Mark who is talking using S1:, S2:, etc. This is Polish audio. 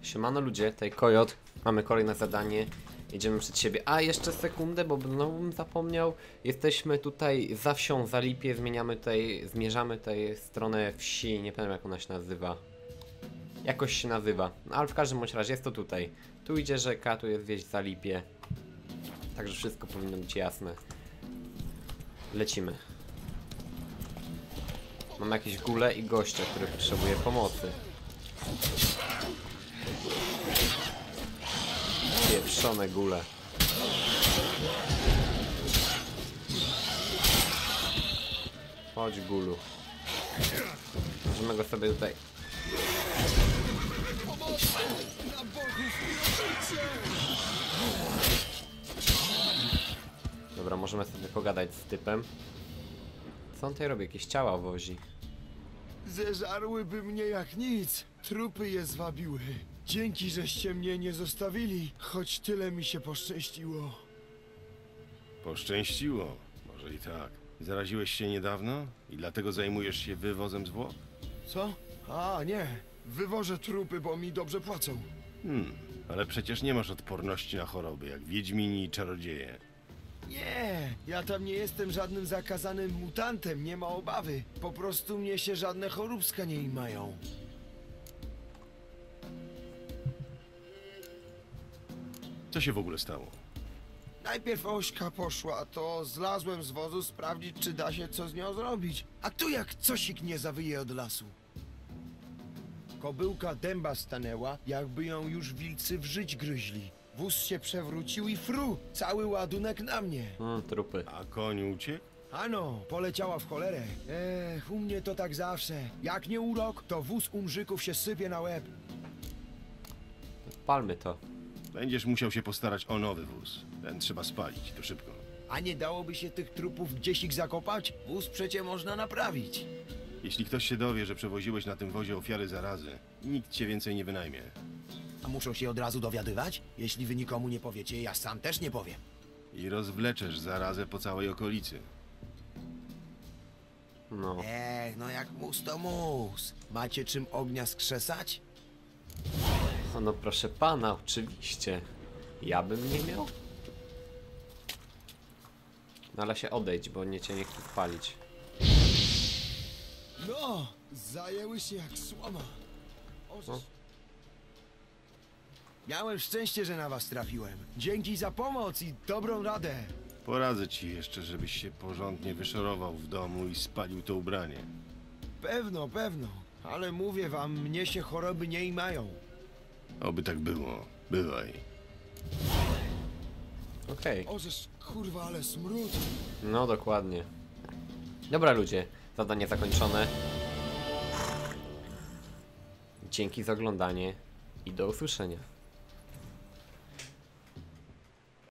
S1: Siemano ludzie, tutaj Kojot. Mamy kolejne zadanie. Jedziemy przed siebie. A jeszcze sekundę, bo znowu bym zapomniał. Jesteśmy tutaj za wsią, za Lipie. Zmierzamy tutaj w stronę wsi. Nie pamiętam jak ona się nazywa. Jakoś się nazywa. No, ale w każdym bądź razie jest to tutaj. Tu idzie rzeka, tu jest wieś za Lipie. Także wszystko powinno być jasne. Lecimy. Mam jakieś gule i gościa, który potrzebuje pomocy. Pieprzone gule. Chodź gulu. Możemy go sobie tutaj. Dobra, możemy sobie pogadać z typem. Co on tutaj robi? Jakieś ciała wozi.
S2: Zeżarłyby mnie jak nic. Trupy je zwabiły. Dzięki, żeście mnie nie zostawili, choć tyle mi się poszczęściło.
S3: Poszczęściło. Może i tak. Zaraziłeś się niedawno i dlatego zajmujesz się wywozem zwłok?
S2: Co? A, nie. Wywożę trupy, bo mi dobrze płacą.
S3: Ale przecież nie masz odporności na choroby, jak wiedźmini i czarodzieje.
S2: Nie, ja tam nie jestem żadnym zakazanym mutantem, nie ma obawy. Po prostu mnie się żadne choróbska nie imają.
S3: Co się w ogóle stało?
S2: Najpierw Ośka poszła, to zlazłem z wozu sprawdzić, czy da się co z nią zrobić. A tu jak cosik nie zawyje od lasu. Kobyłka dęba stanęła, jakby ją już wilcy w żyć gryźli. Wóz się przewrócił i fru, cały ładunek na mnie.
S1: Trupy.
S3: A koń uciekł?
S2: Ano, poleciała w cholerę. U mnie to tak zawsze. Jak nie urok, to wóz umrzyków się sypie na łeb.
S1: Palmy to.
S3: Będziesz musiał się postarać o nowy wóz. Ten trzeba spalić, to szybko.
S2: A nie dałoby się tych trupów gdzieś ich zakopać? Wóz przecie można naprawić.
S3: Jeśli ktoś się dowie, że przewoziłeś na tym wozie ofiary zarazy, nikt cię więcej nie wynajmie.
S2: A muszą się od razu dowiadywać? Jeśli wy nikomu nie powiecie, ja sam też nie powiem.
S3: I rozwleczesz zarazę po całej okolicy.
S1: No.
S2: No jak mus to mus. Macie czym ognia skrzesać?
S1: No proszę pana, oczywiście. Ja bym nie miał? No ale się odejdź, bo cię nie chcę spalić.
S2: No, zajęły się jak słoma.
S1: No.
S2: Miałem szczęście, że na was trafiłem. Dzięki za pomoc i dobrą radę.
S3: Poradzę ci jeszcze, żebyś się porządnie wyszorował w domu i spalił to ubranie.
S2: Pewno, pewno. Ale mówię wam, mnie się choroby nie imają.
S3: Oby tak było. Bywaj.
S1: Okej.
S2: Ożeż, kurwa, ale smród.
S1: No dokładnie. Dobra ludzie, zadanie zakończone. Dzięki za oglądanie i do usłyszenia.